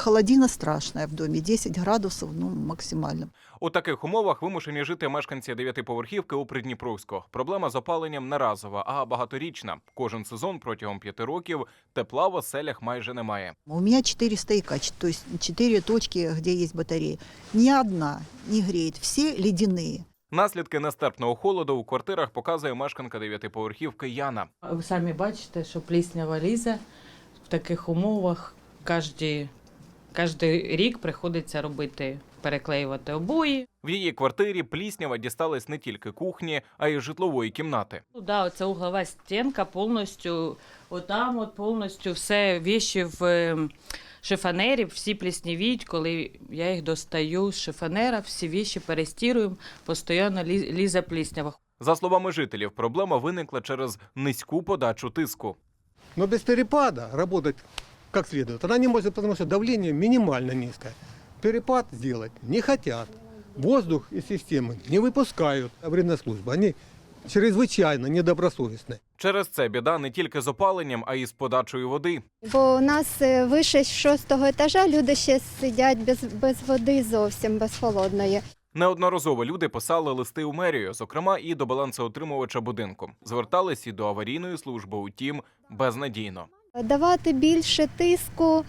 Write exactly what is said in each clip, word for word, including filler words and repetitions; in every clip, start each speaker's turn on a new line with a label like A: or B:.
A: холодина страшная в доме, десять градусов, ну, максимально.
B: У таких умовах вимушені жити мешканці дев'ятиповерхівки у Придніпровську. Проблема з опаленням не разова, а багаторічна. Кожен сезон протягом п'яти років тепла в оселях майже немає.
A: У меня четыре стояка, то есть четыре точки, где есть батареи. Ни одна не греет, все ледяные.
B: Наслідки нестерпного холоду у квартирах показує мешканка дев'ятиповерхівки Яна.
C: Ви самі бачите, що пліснява лізе в таких умовах. Кожний, кожний рік приходиться робити, переклеювати обої.
B: В її квартирі пліснява дісталась не тільки кухні, а й житлової кімнати.
C: Ну, да, оця углова стінка повністю, отам от повністю все віші в ем, шифонері, всі пліснявіють, коли я їх достаю з шифонера, всі віші перестіруємо, постійно лі- лізе пліснява.
B: За словами жителів, проблема виникла через низьку подачу тиску.
D: Но без перепада работать как следует она не может, потому что давление минимально низкое. Перепад сделать не хотят. Воздух из системы не выпускают. Аварийная служба, они чрезвычайно недобросовестны.
B: Через це біда не тільки з опаленням, а й з подачою води.
E: Бо у нас е, вище шостого етажа люди ще сидять без, без води зовсім, без холодної.
B: Неодноразово люди писали листи у мерію, зокрема і до балансоутримувача будинку. Звертались і до аварійної служби, утім, безнадійно.
E: Давати більше тиску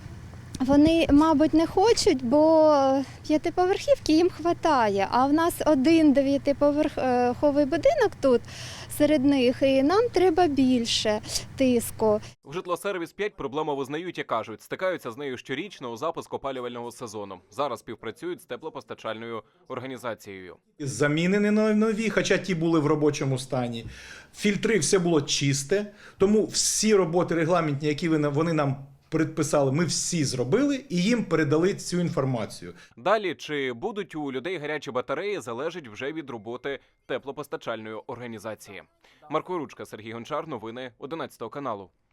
E: вони, мабуть, не хочуть, бо п'ятиповерхівки їм вистачає. А в нас один дев'ятиповерховий будинок тут серед них, і нам треба більше тиску.
B: В Житлосервіс п'ять проблему визнають і кажуть, стикаються з нею щорічно у запуск опалювального сезону. Зараз співпрацюють з теплопостачальною організацією.
F: Замінені на нові, хоча ті були в робочому стані. Фільтри, все було чисте, тому всі роботи регламентні, які вони нам предписали, ми всі зробили і їм передали цю інформацію.
B: Далі, чи будуть у людей гарячі батареї, залежить вже від роботи теплопостачальної організації. Марко Ручка, Сергій Гончар, новини одинадцятого каналу.